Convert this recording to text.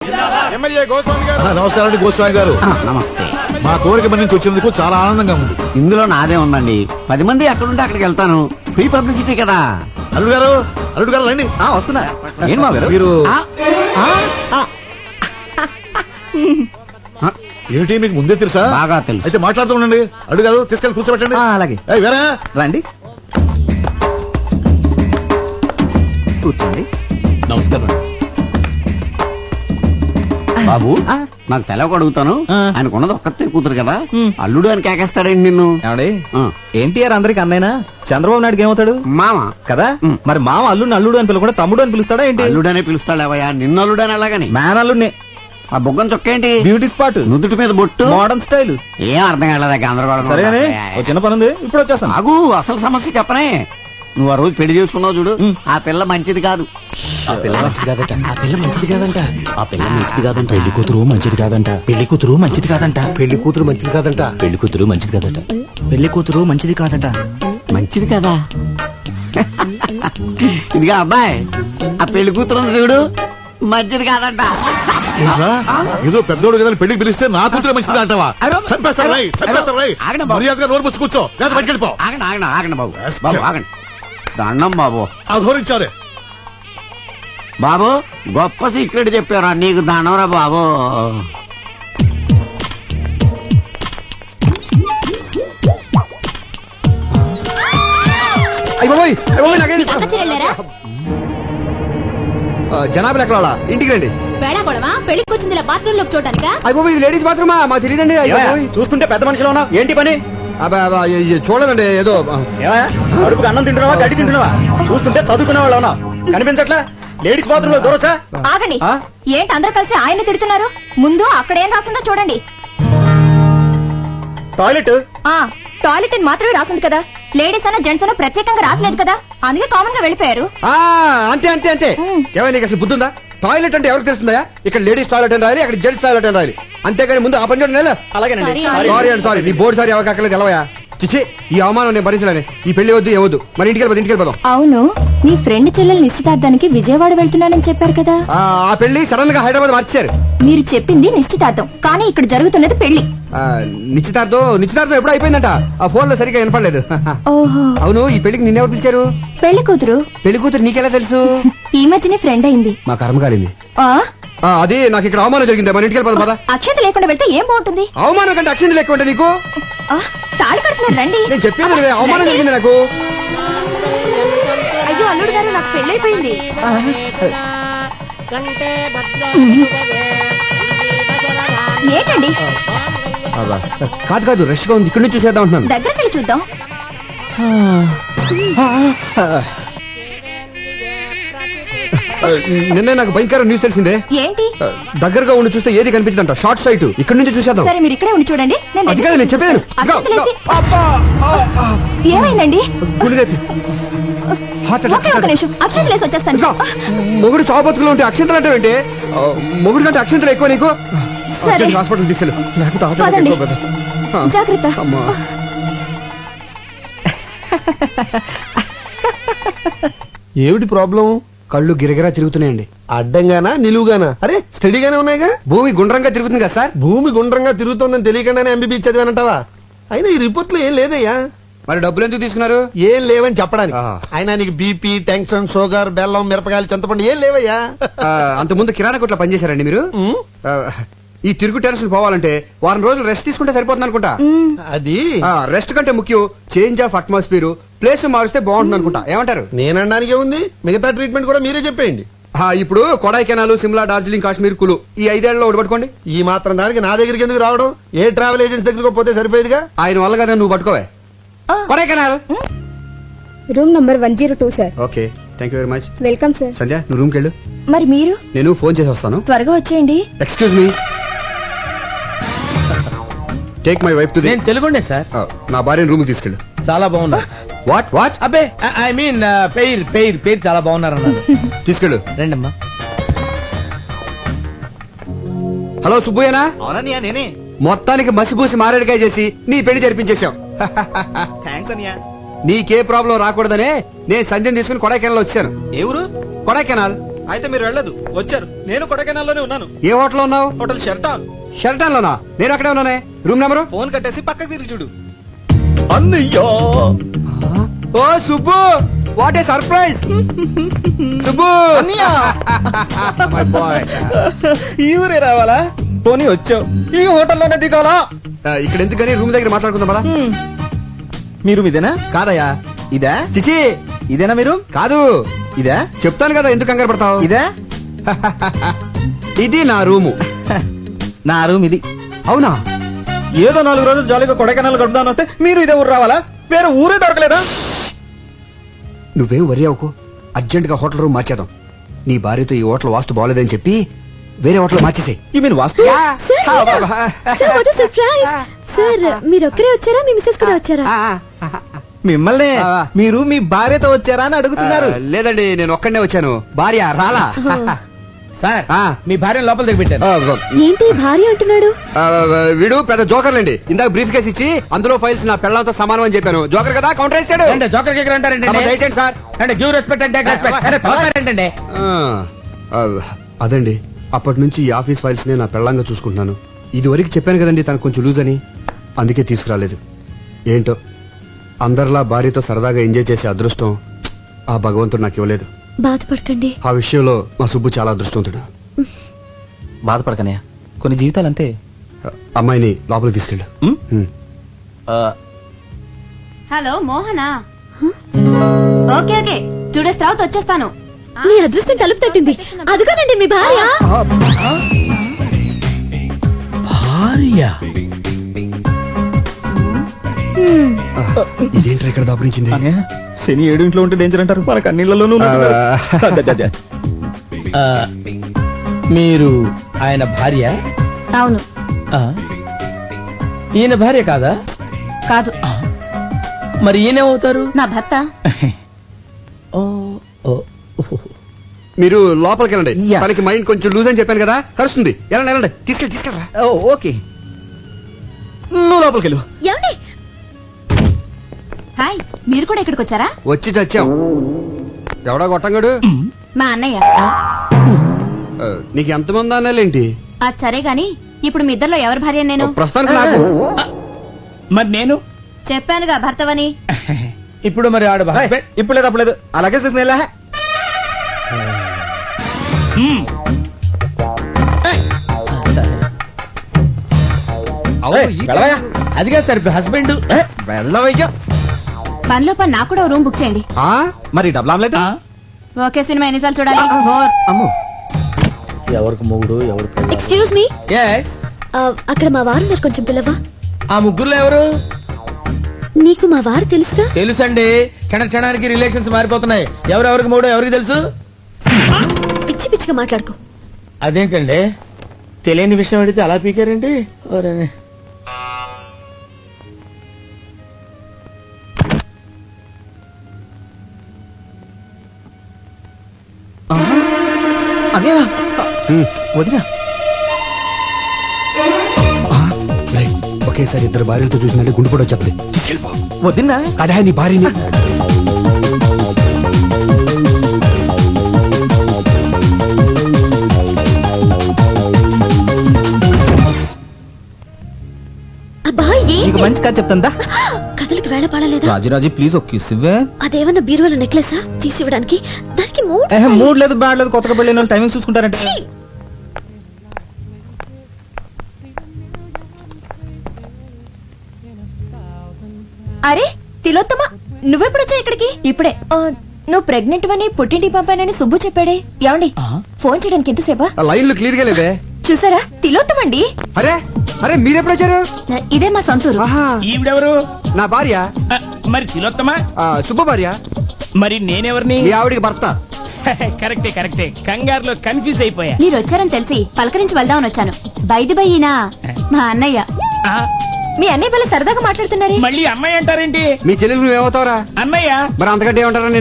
MLA Goswami గారు. నమస్కారం అండి గోస్వామి గారు. నమస్తే. మా కోరిక నుంచి వచ్చినందుకు చాలా ఆనందంగా ఉంది. ఇందులో నాదే ఉందండి. 10 మంది ఎక్కడుంటే అక్కడికి వెళ్తాను. ఫ్రీ పబ్లిసిటీ కదా. అల్లుడు గారు రండి. వస్తున్నా. ఏం మా గారు మీరు ఏమిటి మీకు ముందే తెలుసా? బాగా తెలుసు. అయితే మాట్లాడుతూ ఉండండి. అల్లుడు గారు తీసుకెళ్ళి కూర్చోబెట్టండి. అలాగే. వేరే రండి కూర్చోండి. నమస్కారం బాబు. నాకు తెలవక అడుగుతాను. ఆయనకున్నది ఒక్కతే కూతురు కదా, అల్లుడు అని కేకేస్తాడండి నిన్ను. ఎన్టీఆర్ అందరికి అన్నైనా చంద్రబాబు నాయుడుకి ఏమవుతాడు? మామ కదా. మరి మామ అల్లుడిని అల్లుడు అని పిలవకుండా తమ్ముడు అని పిలుస్తాడా ఏంటి? అల్లుడనే పిలుస్తాడేవయ్యా. నిన్ను అల్లుడు అని అలాగని. మ్యాన్ అల్లుడిని. ఆ బొగ్గం చొక్క ఏంటి? Beauty spot. నుదుటి మీద బొట్టు. Modern style. ఏం అర్థం కాలేదా? గందరగోళం. సరేనే, ఓ చిన్న పని ఉంది, ఇప్పుడు వచ్చేస్తాను. ఆగు, అసలు సమస్య చెప్పనే. నువ్వు ఆ రోజు పెళ్లి చేసుకున్నావు చూడు, ఆ పిల్ల మంచిది కాదు. ఆ పిల్ల మంచిది కాదట. ఆ పిల్ల మంచిది కాదంట. ఆ పిల్ల మంచిది కాదంట. పెళ్లి కూతురు మంచిది కాదంట. పెళ్లి కూతురు మంచిది కాదంట. పెళ్లి కూతురు మంచిది కాదంట. పెళ్లి కూతురు మంచిది కాదట. పెళ్లి కూతురు మంచిది కాదంట. మంచిది కదా. ఇదిగా అబ్బాయి, ఆ పెళ్లి కూతురు ఉంది చూడు, మంచిది కాదంట. ఏదో పెద్దోడు కదా పెళ్లికి పిలిస్తే నా కూతురు మంచిది అంటావా? చంపేస్తారు రై, చంపేస్తారు రై. మర్యాదగా నోరు మూసి కూర్చో, లేదా బయటికి వెళ్ళిపో. ఆగండి బాబు. బాబు ఆగండి. దండం బాబు. అధోరించారే బాబు, గొప్ప సీక్రెట్ చెప్పారా నీకు. దండంరా బాబు. జనాభా ఎక్కడ ఇంటికి రండి. పెళ్లికి వచ్చింది బాత్రూమ్ లో చూడటానికా? అయిపోయి ఇది లేడీస్ బాత్రూమా? మాకు తెలియదండి. చూస్తుంటే పెద్ద మనిషిలో ఉన్నావు, ఏంటి పని? చూడదండి. ఏదో అడుపుకి అన్నం తింటున్నావా, గడ్డి తింటున్నావా? చూస్తుంటే చదువుకునే వాళ్ళు ఉన్నావు, కనిపించట్లా? లేడీస్ బాత్రూమ్ లో దూరొచ్చా? ఆగండి. ఏంటి అందరూ కలిసి ఆయన తిడుతున్నారు? ముందు అక్కడ ఏం రాసిందో చూడండి. టాయిలెట్. టాయిలెట్ అని మాత్రమే రాసింది కదా, లేడీస్ అన్న జెంట్స్ అన్న ప్రత్యేకంగా రాసలేదు కదా, అందుకే కామన్ గా వెళ్ళిపోయారు. అంతే అంతే అంతే. ఏమైనా నీకు అసలు బుద్ధుందా? టాయిలెట్ అంటే ఎవరికి తెలుస్తుందా? ఇక్కడ లేడీస్ టాయిలెట్ అని రాయాలి, అక్కడ జెంట్స్ టాయిలెట్ అని రాయాలి. అంతేగాని ముందు ఆ పని చూడండి. అలాగేనండి. సారీ అండి, సారీ. నీ బోర్డు సారీ ఎవరికి అక్కర్లేదు. ఎలవయా చిచ్చి, ఈ అవమానం నేను భరించలేను. ఈ పెళ్లి వద్దు, ఏవద్దు. మరి ఇంటికి వెళ్ళిపోదాం. అవును, మీ ఫ్రెండ్ చెల్లెలు నిశ్చితార్థానికి విజయవాడ వెళ్తున్నానని చెప్పారు కదా. ఆ పెళ్లి సడన్ గా హైదరాబాద్ మార్చారు. మీరు చెప్పింది నిశ్చితార్థం, కానీ ఇక్కడ జరుగుతున్నది పెళ్లి. నిశ్చితార్థం ఎప్పుడు అయిపోయిందంట. ఆ ఫోన్ లో సరిగ్గా వినపడలేదు. ఓహో. అవును, ఈ పెళ్లికి నిన్నెవరు పిలిచారు? పెళ్లి కూతురు. పెళ్లి కూతురు నీకెలా తెలుసు? ఈ మధ్యనే ఫ్రెండ్ అయింది. మా కర్మ కాలింది. అది నాకు ఇక్కడ అవమానం జరిగింది. మన ఇంటికి వెళ్ళిపోదాం పద. అక్షంత లేకుండా వెళ్తే ఏం బాగుంటుంది? అవమానం కంటే అక్షంత లేకుండా ఉంటే నీకు తాళి కడుతున్నారు రండి. నేను చెప్పేది అవమానం జరిగింది నాకు. అయ్యో అల్లుడు గారు, నాకు పెళ్ళైపోయింది. ఏంటండి? కాదు, రష్ గా ఉంది. ఇక్కడ నుంచి చూసేద్దాం అంటున్నాను. దగ్గరికి వెళ్ళి చూద్దాం. నిన్నే నాకు భయంకర న్యూస్ తెలిసిందే. ఏంటి? దగ్గరగా ఉండి చూస్తే ఏది కనిపించదంట. Short site. ఇక్కడ నుంచి చూసేద్దాం. సరే, మీరు ఇక్కడే ఉండి చూడండి. అది కాదు నేను చెప్పాను. ఏమైందండి? అక్షంతలేసి వచ్చేస్తాను. మొగుడు చావు బతుకులో ఉంటే అక్షంతలు అంటే ఏంటి? మొగుడు కంటే అక్షంతలు ఎక్కువ నీకు. హాస్పిటల్ తీసుకెళ్ళు. జాగ్రత్త. ఏమిటి ప్రాబ్లం? కళ్ళు గిరగిరా తిరుగుతున్నాయండి. అడ్డంగానా నిలువుగానా? అరే స్టడీగానే ఉన్నాయిగా. భూమి గుండ్రంగా తిరుగుతుంది కదా సార్. భూమి గుండ్రంగా తిరుగుతోందని తెలియకుండానే ఎంబీబీ చదివానంటావా? అయినా ఈ రిపోర్ట్ లో ఏం లేదయ్యా. మరి డబ్బులు ఎందుకు తీసుకున్నారు? ఏం లేవని చెప్పడానికి. అయినా నీకు బీపీ, టెన్షన్, షుగర్, బెల్లం, మిరపకాయలు, చింతపండు ఏం లేవయ్యా. అంతకుముందు కిరాణా కొట్లో పనిచేశారండి మీరు? ఈ తిరుగు టెన్షన్ పోవాలంటే వారం రోజులు రెస్ట్ తీసుకుంటే సరిపోతుంది అనుకుంటా. అది రెస్ట్ కంటే ముఖ్యం చేంజ్ ఆఫ్ అట్మాస్ఫియర్. ప్లేస్ మారిస్తే బాగుంటుంది అనుకుంటా. ఏమంటారు? నేనడానికి ఉంది. మిగతా ట్రీట్మెంట్ కూడా మీరే చెప్పేయండి. ఇప్పుడు కొడైకెనాల్, సిమ్లా, డార్జిలింగ్, కాశ్మీర్, కులు ఈ 5 ఏళ్లలో ఒకటి పట్టుకోండి. ఈ మాత్రం దానికి నా దగ్గరికి ఎందుకు రావడం? ఏ ట్రావెల్ ఏజెన్సీ దగ్గరకు పోతే సరిపోయేదిగా. ఆయన వల్ల కదా నువ్వు పట్టుకోవే. Kodaikanal room number 102 sir. Okay, thank you very much. Welcome sir. Sandhya, నువ్వు రూమ్కి వెళ్ళు. మరి మీరు? నేను ఫోన్ చేసి వస్తాను. త్వరగా వచ్చేయండి. Excuse me, take my wife to the. నేను తెలుగుండే సార్. నా భార్యను రూమ్ కి తీసుకెళ్ళు. చాలా బాగున్నా. వాట్? అబ్బే, ఐ మీన్ పేరు చాలా బాగున్నారు అన్నారు. తీసుకెళ్ళు. రండమ్మా. హలో సుబ్బయ్యనా? అవునన్నయ్య, నేనే. మొత్తానికి మసిపూసి మారేడుకాయ చేసి నీ పెళ్లి జరిపించేశాం. థ్యాంక్స్ అన్నయ్య. నీకే ప్రాబ్లం రాకూడదనే నేను సంజయ్ తీసుకుని కొడైకెనాల్ వచ్చాను. ఏ ఊరు? కొడైకెనాల్. అయితే మీరు వెళ్ళదు వచ్చారు. నేను కొడైకెనాల్లోనే ఉన్నాను. ఏ హోటల్ ఉన్నావు? Hotel Sheraton. షెల్టన్ లోనా? నేను అక్కడే ఉన్నానే. Room number? ఫోన్ కట్టేసి పక్కకి తిరిగి చూడు. అన్నయ్యా ఓ Subbu, what a surprise. Subbu అన్నయ్యా మై బాయ్. ఈ ఊరే రావాలా? పోనీ వచ్చావు, ఈ హోటల్లోనే దిగాలా? ఇక్కడ ఎందుకని రూమ్ దగ్గర మాట్లాడుకుందాం పదా. మీరు ఇదేనా? కాదయ్యా. ఇదా? చిచి ఇదేనా మీరు? కాదు. ఇదా? చెప్తాను కదా, ఎందుకు కంగారు పడతావు? ఇదా? ఇది నా రూము. నా రూమ్ ఇది. అవునా? ఏదో 4 రోజులు జాలీగా కొడైకెనాల్ గడుపుదాని వస్తే మీరు ఇదే ఊరు రావాలా? వేరే ఊరే దొరకలేదా? నువ్వేం వరి అవ్వకు, అర్జెంట్ గా హోటల్ రూమ్ మార్చేద్దాం. నీ భార్యతో ఈ హోటల్ వాస్తు బాగోలేదని చెప్పి వేరే హోటల్ మార్చేసే. You mean vastu? సార్ మీరు ఒక్కరే వచ్చారా, మీ మిస్సెస్ కూడా వచ్చారా? మిమ్మల్ని మీరు మీ భార్యతో వచ్చారా అని అడుగుతున్నారు. లేదండి, నేను ఒక్కడనే వచ్చాను. భార్య రాలా. సార్ ఆ. మీ భార్యను లోపల దిగబెట్టారు. ఏంటి భార్య అంటున్నాడు? వీడు పెద్ద జోకర్లండి. ఇందాక బ్రీఫ్ కేసు ఇచ్చి అందులో ఫైల్స్ నా పెళ్ళంతో సమానం అని చెప్పాను. జోకర్ కదా, కౌంటర్ వేసాడు. జోకర్ కేకర్ అంటారంటే దయచేయండి సార్. అంటే గివ్ రెస్పెక్ట్ అంటే ఏంటంటే అదండి, అప్పటి నుంచి ఈ ఆఫీస్ ఫైల్స్ నే నా పెళ్ళంగా చూసుకుంటున్నాను. ఇది వరకు చెప్పాను కదండి తనకు కొంచెం లూజ్ అని, అందుకే తీసుకురాలేదు. ఏంటో అందరిలా భార్యతో సరదాగా ఎంజాయ్ చేసే అదృష్టం ఆ భగవంతుడు నాకు ఇవ్వలేదు. బాధపడకండి. ఆ విషయంలో మా సుబ్బు చాలా అదృష్టవంతుడు. బాధపడకనయ్య, కొన్ని జీవితాలు అంతే. అమ్మాయిని లోపలికి తీసుకెళ్ళు. Hello Mohana. Okay okay, 2 days తర్వాత వచ్చేస్తాను. మీ అదృష్టం తలుపు తట్టింది. అదిగోనండి మీ భార్య. ఇదేంట్రా ఇక్కడ దాపురించింది? శని 7 ఇంట్లో ఉంటే డేంజర్ అంటారు, మనకు అన్నిళ్లలోనూ మీరు ఆయన భార్య? అవును. ఈయన భార్య కాదా? కాదు. మరి ఈయనేమవుతారు? నా భర్త. మీరు లోపలికి వెళ్ళండి. యా. తనకి మైండ్ కొంచెం లూజ్ అని చెప్పాను కదా, కలుస్తుంది. వెళ్ళండి వెళ్ళండి, తీసుకెళ్ళరా. ఓకే, నువ్వు లోపలికి వెళ్ళు. ఏమండి? హాయ్, మీరు కూడా ఇక్కడికి వచ్చారా? వచ్చి చచ్చాం. ఎవడా గొట్టంగాడు? మా అన్నయ్య. నీకు ఎంతమంది అన్నాలేంటి? అది సరే గాని ఇప్పుడు మీ ఇద్దరిలో ఎవరి భార్య నేను? ప్రస్తుతానికి నాకు. మరి నేను చెప్పానుగా భర్తవని. ఇప్పుడు మరి ఆడ husband? ఇప్పుడు లేదు అప్పుడు లేదు, అలాగే తీసుకుని అదిగా సార్ హస్బెండ్. వెళ్ళవయ్యా. పనిలో పని నాకు కూడా రూమ్ బుక్ చేయండి. మరి డబుల్ ఆమ్లెట్? ఓకే, సినిమా ఎన్నిసార్లు చూడాలి? బోర్. అమ్మో, ఎవరికి మొగుడు ఎవరికి? Excuse me, Yes. అక్కడ మా వారు ఉన్నారు, కొంచెం పిల్లవా? ఆ ముగ్గురులో ఎవరు? నీకు మా వారు తెలుసుగా? తెలుసండి, క్షణానికి రిలేషన్స్ మారిపోతున్నాయి. ఎవరెవరికి మూడో ఎవరికి తెలుసు? పిచ్చి పిచ్చిగా మాట్లాడుకో. అదేంటండి, తెలియని విషయం అడిగితే అలా పీకారండి. ఓరేనే. అన్నయ్య, వదినా. రేయ్, ఒకేసారి ఇద్దరు భార్యలతో చూసినట్టే గుండు కూడా వచ్చేస్తుంది. తీసుకెళ్ళిపో. వదినా అదే నీ భార్యని. నీకు మంచి కథ చెప్తాందా? కథలకి వేళ పడలేదా? రాజురాజు ప్లీజ్ ఒక కిస్ ఇవ్వే. అదేమన్నా బీరువాల నెక్లెసా తీసి ఇవ్వడానికి? దానికి మూడ్ లేదు, బ్యాడ్ లేదు, కొత్తగా పెళ్ళిన వాళ్ళు టైమింగ్ చూసుకుంటారంటే. అరే తిలోత్తమ, నువ్వెప్పుడు వచ్చా ఇక్కడికి? ఇప్పుడే. నువ్వు ప్రెగ్నెంట్ అని పుట్టింటికి పంపానని సుబ్బు చెప్పాడే. ఏమండి, ఫోన్ చేయడానికి ఎంతసేపా? లైన్లు క్లియర్ గా లేవే. చూసారా, తిలోత్తమండి. అరే అరే, మీరెప్పుడు వచ్చారు? ఇదే మా సొంతూరు. ఈవిడెవరు? నా భార్య. మరి తిలోత్తమా? శుభ భార్య. మరి నేనెవరిని? మీ ఆవిడికి భర్త. కరెక్టే, కంగారులో కన్ఫ్యూజ్ అయిపోయా. మీరు వచ్చారని తెలిసి పలకరించి వెళ్దామని వచ్చాను. బైది బయ్యినా మా అన్నయ్య. మీ అన్నయ్య వల్ల సరదాగా మాట్లాడుతున్నారే. మళ్ళీ అమ్మాయి అంటారేంటి? మీ చెల్లెలు నువ్వేమవుతావురా? అన్నయ్య. మరి అంతకంటే ఏమంటారా?